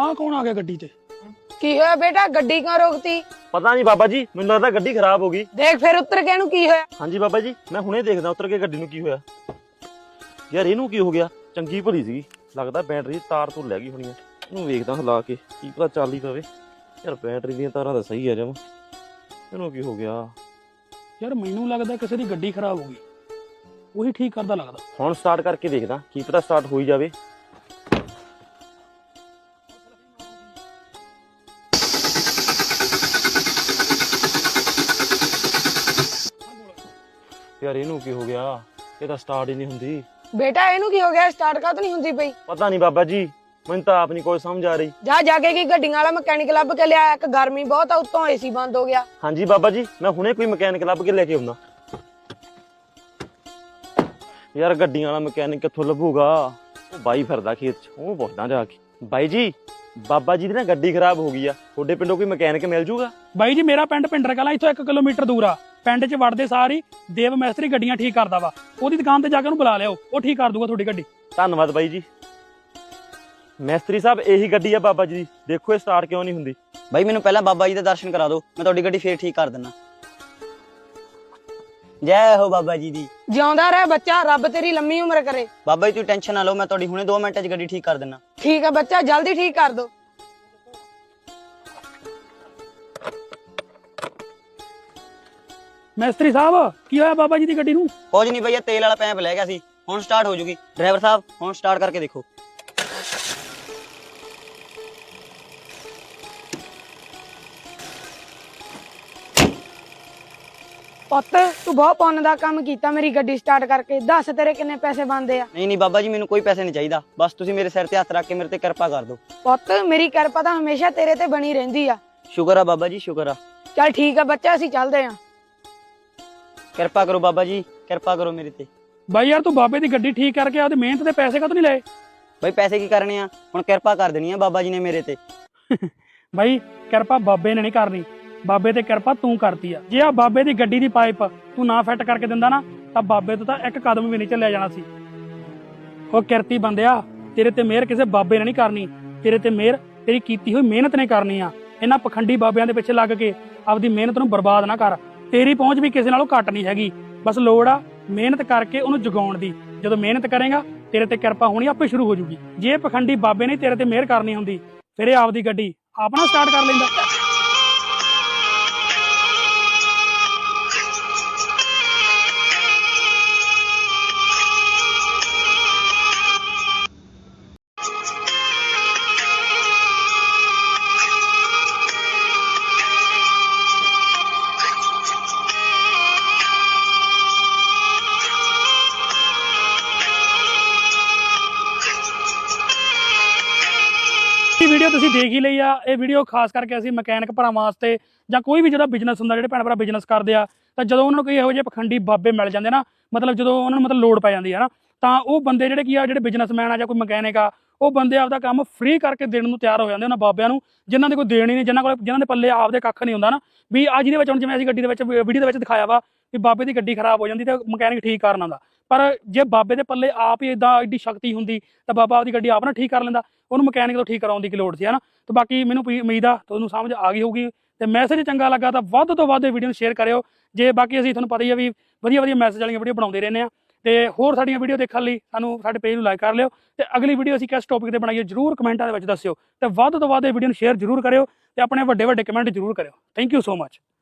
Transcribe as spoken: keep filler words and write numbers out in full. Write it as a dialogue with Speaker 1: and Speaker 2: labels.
Speaker 1: ਆ कौन आ गया गड्डी ते?
Speaker 2: की होया बेटा गड्डी क्यों रोकती?
Speaker 3: पता नहीं बाबा जी, मैनूं लगदा गड्डी खराब हो गई।
Speaker 2: देख फिर उतर के की होया?
Speaker 3: हाँ जी बाबा जी, मैं हुणे देखदा उतर के गड्डी नूं की होया। यार इहनूं की हो गया? चंगी भली सी, लगदा बैटरी तार तो लै गई होनी है। इहनूं वेखदा हिला के, की पता चल ही पवे। यार बैटरी दीयां तारां तां सही है जम, इहनूं की हो गया?
Speaker 1: यार मैनू लगदा किसी दी गड्डी खराब हो गई, वही ठीक करदा लगदा।
Speaker 3: हुण स्टार्ट करके देखदा, की पता स्टार्ट हो ही जावे। यार इनू की हो गया? ये तो स्टार्ट ही नहीं हुंदी।
Speaker 2: बेटा इनू की हो गया? स्टार्ट का तो नहीं हुंदी पई।
Speaker 3: पता नहीं बाबा जी, मैनूं तां आप नहीं कोई समझ आ रही।
Speaker 2: जा जाके की गड्डियां वाला मैकेनिक लभ के लिया, एक गर्मी बहुत आ उत्तों एसी बंद हो गया।
Speaker 3: हाँ जी बाबा जी, मैं हुणे कोई मैकेनिक लभ के लेके आउंदा। यार गड्डियां वाला मैकेनिक कित्थों लभूगा? ओ बाई फिरदा खेत च, ओह पुछदा जाके। बाई जी, बाबा जी दी ना गड्डी खराब हो गई आ, तुहाडे पिंडों कोई मैकेनिक मिल जूगा?
Speaker 1: बाई जी मेरा पिंड पिंडर कला इथों एक किलोमीटर दूर आ। पिंड च वड़दे सार ही देव मैस्त्री गड्डियां ठीक करदा वा, ओहदी दुकान ते जाके ਉਹਨੂੰ बुला लिओ, ਉਹ ठीक कर दूगा ਤੁਹਾਡੀ ਗੱਡੀ।
Speaker 3: ਧੰਨਵਾਦ ਬਾਈ ਜੀ। ਮੈਸਤਰੀ ਸਾਹਿਬ ਇਹੀ ਗੱਡੀ ਆ ਬਾਬਾ ਜੀ ਦੀ, ਦੇਖੋ ਇਹ ਸਟਾਰਟ ਕਿਉਂ ਨਹੀਂ ਹੁੰਦੀ।
Speaker 4: ਬਾਈ ਮੈਨੂੰ ਪਹਿਲਾਂ ਬਾਬਾ ਜੀ ਦੇ ਦਰਸ਼ਨ ਕਰਾ ਦਿਓ, ਮੈਂ ਤੁਹਾਡੀ ਗੱਡੀ ਫੇਰ ਠੀਕ ਕਰ ਦਿੰਦਾ। ਜੈ ਹੋ ਬਾਬਾ ਜੀ ਦੀ।
Speaker 2: ਜਿਉਂਦਾ ਰਹਿ ਬੱਚਾ, ਰੱਬ ਤੇਰੀ ਲੰਮੀ ਉਮਰ ਕਰੇ।
Speaker 4: ਬਾਬਾ ਜੀ ਤੁਸੀਂ ਟੈਨਸ਼ਨ ਨਾ ਲਓ, ਮੈਂ ਤੁਹਾਡੀ ਹੁਣੇ ਦੋ ਮਿੰਟਾਂ 'ਚ ਗੱਡੀ ਠੀਕ ਕਰ ਦਿੰਦਾ।
Speaker 2: ਠੀਕ ਹੈ ਬੱਚਾ, ਜਲਦੀ ਠੀਕ ਕਰ ਦੋ।
Speaker 1: ਮੈਸਤਰੀ ਸਾਹਿਬ ਕੀ ਹੋਇਆ ਬਾਬਾ ਜੀ ਦੀ ਗੱਡੀ ਨੂੰ?
Speaker 4: ਕੁਝ ਨਹੀਂ ਬਈ, ਇਹ ਤੇਲ ਵਾਲਾ ਪੈਪ ਲੈ ਗਿਆ ਸੀ, ਹੁਣ ਸਟਾਰਟ ਹੋ ਜੂਗੀ। ਡਰਾਈਵਰ ਸਾਹਿਬ ਹੁਣ ਸਟਾਰਟ ਕਰਕੇ ਦੇਖੋ।
Speaker 2: ਪੁੱਤ ਤੂੰ ਬਹੁਤ ਪੁੰਨ ਦਾ ਕੰਮ ਕੀਤਾ ਮੇਰੀ ਗੱਡੀ ਸਟਾਰਟ ਕਰਕੇ। ਦੱਸ ਤੇਰੇ ਕਿੰਨੇ ਪੈਸੇ ਬਣਦੇ ਆ?
Speaker 4: ਨਹੀਂ ਨਹੀਂ ਬਾਬਾ ਜੀ, ਮੈਨੂੰ ਕੋਈ ਪੈਸੇ ਨਹੀਂ ਚਾਹੀਦਾ, ਬਸ ਤੁਸੀਂ ਮੇਰੇ ਸਿਰ ਤੇ ਹੱਥ ਰੱਖ ਕੇ ਮੇਰੇ ਤੇ ਕਿਰਪਾ ਕਰ ਦਿਓ।
Speaker 2: ਪੁੱਤ ਮੇਰੀ ਕਿਰਪਾ ਤਾਂ ਹਮੇਸ਼ਾ ਤੇਰੇ ਤੇ ਬਣੀ ਰਹਿੰਦੀ ਆ।
Speaker 4: ਸ਼ੁਕਰ ਆ ਬਾਬਾ ਜੀ, ਸ਼ੁਕਰ ਆ।
Speaker 2: ਚੱਲ ਠੀਕ ਆ ਬੱਚਾ, ਅਸੀਂ ਚੱਲਦੇ ਆਂ।
Speaker 4: ਕਿਰਪਾ ਕਰੋ ਬਾਬਾ ਜੀ, ਕਿਰਪਾ ਕਰੋ ਮੇਰੇ ਤੇ।
Speaker 1: ਬਾਈ ਯਾਰ ਤੂੰ ਬਾਬੇ ਦੀ ਗੱਡੀ ਠੀਕ ਕਰਕੇ ਉਹਦੀ ਮਿਹਨਤ ਦੇ ਪੈਸੇ ਕਾਹਤੋਂ ਨਹੀਂ ਲਏ?
Speaker 4: ਬਈ ਪੈਸੇ ਕੀ ਕਰਨੇ ਆ, ਹੁਣ ਕਿਰਪਾ ਕਰ ਦੇਣੀ ਆ ਬਾਬਾ ਜੀ ਨੇ ਮੇਰੇ ਤੇ।
Speaker 1: ਬਾਈ ਕਿਰਪਾ ਬਾਬੇ ਨੇ ਨਹੀਂ ਕਰਨੀ, ਬਾਬੇ ਤੇ ਕਿਰਪਾ ਤੂੰ ਕਰਤੀ ਆ। ਜੇ ਆ ਬਾਬੇ ਦੀ ਗੱਡੀ ਦੀ ਪਾਈਪ ਤੂੰ ਨਾ ਫਿੱਟ ਕਰਕੇ ਦਿੰਦਾ ਨਾ, ਤਾਂ ਬਾਬੇ ਤੋਂ ਤਾਂ ਇੱਕ ਕਦਮ ਵੀ ਨਹੀਂ ਚੱਲਿਆ ਜਾਣਾ ਸੀ। ਉਹ ਕਿਰਤੀ ਬੰਦਿਆ, ਤੇਰੇ ਤੇ ਮਿਹਰ ਕਿਸੇ ਬਾਬੇ ਨੇ ਨਹੀਂ ਕਰਨੀ, ਤੇਰੇ ਤੇ ਮਿਹਰ ਤੇਰੀ ਕੀਤੀ ਹੋਈ ਮਿਹਨਤ ਨੇ ਕਰਨੀ ਆ। ਇਹਨਾਂ ਪਖੰਡੀ ਬਾਬਿਆਂ ਦੇ ਪਿੱਛੇ ਲੱਗ ਕੇ ਆਪਦੀ ਮਿਹਨਤ ਨੂੰ ਬਰਬਾਦ ਨਾ ਕਰ। ਤੇਰੀ ਪਹੁੰਚ ਵੀ ਕਿਸੇ ਨਾਲੋਂ ਘੱਟ ਨਹੀਂ ਹੈਗੀ, ਬਸ ਲੋੜ ਆ ਮਿਹਨਤ ਕਰਕੇ ਉਹਨੂੰ ਜਗਾਉਣ ਦੀ। ਜਦੋਂ ਮਿਹਨਤ ਕਰੇਗਾ ਤੇਰੇ ਤੇ ਕਿਰਪਾ ਹੋਣੀ ਆਪੇ ਸ਼ੁਰੂ ਹੋ ਜੂਗੀ। ਜੇ ਪਖੰਡੀ ਬਾਬੇ ਨੇ ਤੇਰੇ ਤੇ ਮਿਹਰ ਕਰਨੀ ਹੁੰਦੀ, ਫਿਰ ਇਹ ਆਪਦੀ ਗੱਡੀ ਆਪ ਨਾ ਸਟਾਰਟ ਕਰ ਲੈਂਦਾ। ਵੀਡੀਓ ਤੁਸੀਂ ਦੇਖ ਹੀ ਲਈ ਆ। ਇਹ ਵੀਡੀਓ ਖਾਸ ਕਰਕੇ ਅਸੀਂ ਮਕੈਨਿਕ ਭਰਾਵਾਂ ਵਾਸਤੇ ਜਾਂ ਕੋਈ ਵੀ ਜਿਹੜਾ ਬਿਜ਼ਨਸ ਹੁੰਦਾ, ਜਿਹੜੇ ਭੈਣ ਭਰਾ ਬਿਜ਼ਨਸ ਕਰਦੇ ਆ, ਤਾਂ ਜਦੋਂ ਉਹਨਾਂ ਨੂੰ ਕੋਈ ਇਹੋ ਜਿਹੇ ਪਖੰਡੀ ਬਾਬੇ ਮਿਲ ਜਾਂਦੇ ਨਾ, ਮਤਲਬ ਜਦੋਂ ਉਹਨਾਂ ਨੂੰ ਮਤਲਬ ਲੋੜ ਪੈ ਜਾਂਦੀ ਹੈ ਨਾ, ਤਾਂ ਉਹ ਬੰਦੇ ਜਿਹੜੇ ਕੀ ਆ, ਜਿਹੜੇ ਬਿਜ਼ਨਸਮੈਨ ਆ ਜਾਂ ਕੋਈ ਮਕੈਨਿਕ ਆ, ਉਹ ਬੰਦੇ ਆਪਦਾ ਕੰਮ ਫ੍ਰੀ ਕਰਕੇ ਦੇਣ ਨੂੰ ਤਿਆਰ ਹੋ ਜਾਂਦੇ ਉਹਨਾਂ ਬਾਬਿਆਂ ਨੂੰ, ਜਿਨ੍ਹਾਂ ਦੇ ਕੋਈ ਦੇਣ ਹੀ ਨਹੀਂ, ਜਿਨ੍ਹਾਂ ਕੋਲ ਜਿਨ੍ਹਾਂ ਦੇ ਪੱਲੇ ਆਪਦੇ ਕੱਖ ਨਹੀਂ ਹੁੰਦਾ ਨਾ। ਵੀ ਅੱਜ ਦੇ ਵਿੱਚ ਹੁਣ ਜਿਵੇਂ ਅਸੀਂ ਗੱਡੀ ਦੇ ਵਿੱਚ ਵੀਡੀਓ ਦੇ ਵਿੱਚ ਦਿਖਾਇਆ ਵਾ ਵੀ ਬਾਬੇ ਦੀ ਗੱਡੀ ਖਰਾਬ ਹੋ ਜਾਂਦੀ ਤੇ ਮਕੈਨਿਕ ਠੀਕ ਕਰਨ ਆਉਂਦਾ, ਪਰ ਜੇ ਬਾਬੇ ਦੇ ਪੱਲੇ ਆਪ ਹੀ ਇਦਾਂ ਐਡੀ ਸ਼ਕਤੀ ਹੁੰਦੀ ਤਾਂ ਬਾਬਾ ਆਪਦੀ ਗੱਡੀ ਆਪ ਨਾ ਠੀਕ ਕਰ ਲੈਂਦਾ, ਉਹਨੂੰ ਮਕੈਨਿਕ ਤੋਂ ਠੀਕ ਕਰਾਉਣ ਦੀ ਕੀ ਲੋੜ ਸੀ, ਹੈ ਨਾ। ਤੇ ਬਾਕੀ ਮੈਨੂੰ ਉਮੀਦ ਆ ਤੁਹਾਨੂੰ ਸਮਝ ਆ ਗਈ ਹੋਊਗੀ, ਤੇ ਮੈਸੇਜ ਚੰਗਾ ਲੱਗਾ ਤਾਂ ਵੱਧ ਤੋਂ ਵੱਧ ਇਹ ਵੀਡੀਓ ਨੂੰ ਸ਼ੇਅਰ ਕਰਿਓ। ਜੇ ਬਾਕੀ ਅਸੀਂ ਤੁਹਾਨੂੰ ਪਤਾ ਹੀ ਆ ਵੀ ਵਧੀਆ ਵਧੀਆ ਮੈਸੇਜ ਵਾਲੀਆਂ ਵੀਡੀਓ ਬਣਾਉਂਦੇ ਰਹਿੰਦੇ ਆ, ਤੇ ਹੋਰ ਸਾਡੀਆਂ ਵੀਡੀਓ ਦੇਖਣ ਲਈ ਸਾਨੂੰ ਸਾਡੇ ਪੇਜ ਨੂੰ ਲਾਈਕ ਕਰ ਲਿਓ, ਤੇ ਅਗਲੀ ਵੀਡੀਓ ਅਸੀਂ ਕਿਸ ਟੌਪਿਕ ਤੇ ਬਣਾਈਏ ਜ਼ਰੂਰ ਕਮੈਂਟਾਂ ਦੇ ਵਿੱਚ ਦੱਸਿਓ, ਤੇ ਵੱਧ ਤੋਂ ਵੱਧ ਇਹ ਵੀਡੀਓ ਨੂੰ ਸ਼ੇਅਰ ਜ਼ਰੂਰ ਕਰਿਓ, ਤੇ ਆਪਣੇ ਵੱਡੇ ਵੱਡੇ ਕਮੈਂਟ ਜ਼ਰੂਰ ਕਰਿਓ। Thank you so much.